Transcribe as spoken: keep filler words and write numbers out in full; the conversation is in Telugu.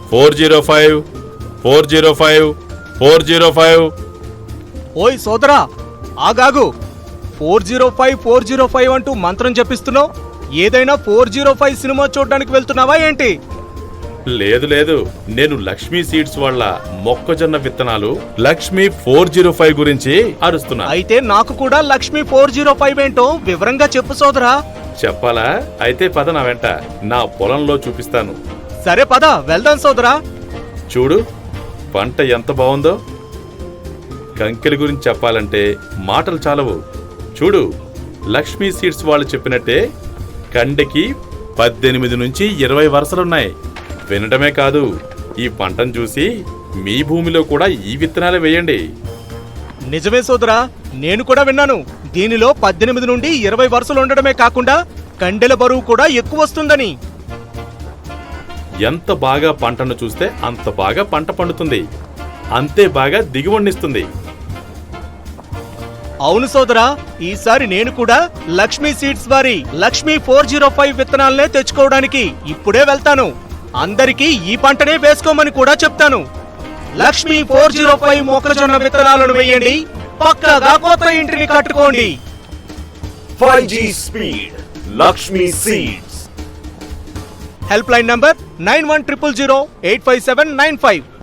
Four zero five four zero five four zero five. ఓయ్ సోదరా, ఆగాగు. Four zero five four zero five అంటూ మంత్రం చెప్పిస్తున్నావు. ఏదైనా ఫోర్ జీరో ఫైవ్ సినిమా చూడడానికి వెళ్తున్నావా ఏంటి? లేదు లేదు, నేను లక్ష్మీ సీడ్స్ వాళ్ళ మొక్కజొన్న విత్తనాలు లక్ష్మీ ఫోర్ జీరో ఫైవ్ గురించి అరుస్తున్నా. అయితే నాకు కూడా లక్ష్మీ ఫోర్ జీరో ఫైవ్ ఏంటో వివరంగా చెప్పు సోదరా. చెప్పాలా? అయితే పద నా వెంట, నా పొలంలో చూపిస్తాను. సరే పద వెళ్దాం సోదరా. చూడు పంట ఎంత బాగుందో. కంకెల గురించి చెప్పాలంటే మాటలు చాలవు. చూడు, లక్ష్మీ సీడ్స్ వాళ్ళు చెప్పినట్టే కండెకి పద్దెనిమిది నుంచి ఇరవై వరుసలున్నాయి. వినటమే కాదు, ఈ పంటను చూసి మీ భూమిలో కూడా ఈ విత్తనాలే వేయండి. నిజమే సోదరా, నేను కూడా విన్నాను. దీనిలో పద్దెనిమిది నుండి ఇరవై వరుసలు ఉండడమే కాకుండా కండెల బరువు కూడా ఎక్కువ వస్తుందని. ఎంత బాగా పంటను చూస్తే అంత బాగా పంట పండుతుంది, అంతే బాగా దిగుబడినిస్తుంది. అవును సోదరా, ఈసారి నేను కూడా లక్ష్మీ సీడ్స్ వారి లక్ష్మీ ఫోర్ జీరో ఫైవ్ విత్తనాలనే తెచ్చుకోవడానికి ఇప్పుడే వెళ్తాను. అందరికీ ఈ పంటనే వేసుకోమని కూడా చెప్తాను. లక్ష్మీ ఫోర్ జీరో ఫైవ్ మొక్కజొన్న విత్తనాలను వేయండి, పక్కాగా కొత్త ఇంటిని కట్టుకోండి. Five G speed Lakshmi seeds. Helpline number nine one triple zero eight five seven nine five.